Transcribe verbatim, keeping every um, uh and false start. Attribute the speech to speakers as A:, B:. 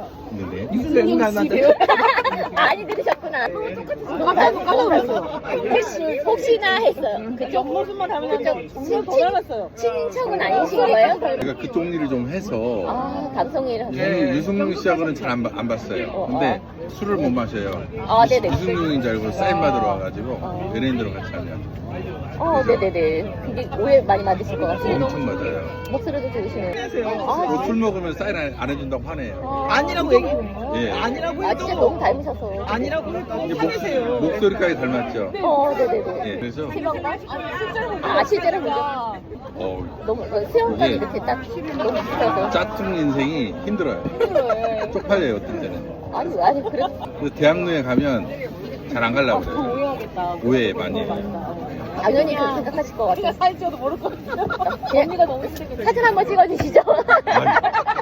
A: 네네.
B: 유승용 닮았다.
C: 많이 들으셨구나. 너무 닮고 닮았어요. 혹시, 혹시나 했어요. 그쪽
B: 모습만 닮았는데
C: 그쪽
B: 정말 더 닮았어요.
C: 친인척은 아니신 거예요?
A: 제가 그쪽 일을 좀 해서
C: 아, 방송일 하고.
A: 유, 유승용 씨하고는 잘 안 안 봤어요.
C: 어,
A: 근데 술을 못 마셔요.
C: 아, 네네.
A: 유승용인 줄 알고 사인 받으러 와가지고
C: 어.
A: 연예인들하고 같이 하냐.
C: 어, 네네네. 굉장히 오해 많이 받으실 것 같아요.
A: 엄청 맞아요.
C: 목소리도 들으시네요.
B: 안녕하세요.
A: 뭐 술 먹으면 사인 안, 안 해준다고 화내요.
B: 아니라고 얘기.
A: 예.
B: 아니라고
C: 아,
B: 해도.
C: 진짜 너무 닮으셔서.
B: 아니라고 해도
A: 이제
B: 화내세요.
A: 목, 목소리까지 닮았죠.
C: 어, 네네네.
A: 예. 그래서
C: 실망가? 아, 실제로 그죠?
A: 어,
C: 너무, 수영까지
A: 이게
C: 이렇게 딱 너무 붙어서.
A: 짜투 인생이 힘들어요. 쪽팔려요 어떤 때는.
C: 아니, 아니, 그래.
A: 그래서 대학로에 가면 잘 안 가려고 그래요.
B: 오해하겠다.
A: 오해 많이 해요.
C: 당연히 그렇게 생각하실 것 같아요.
B: 사이즈도 모를 것 같아요.
C: 언니가 너무 사진 한번 찍어주시죠.
A: 아니,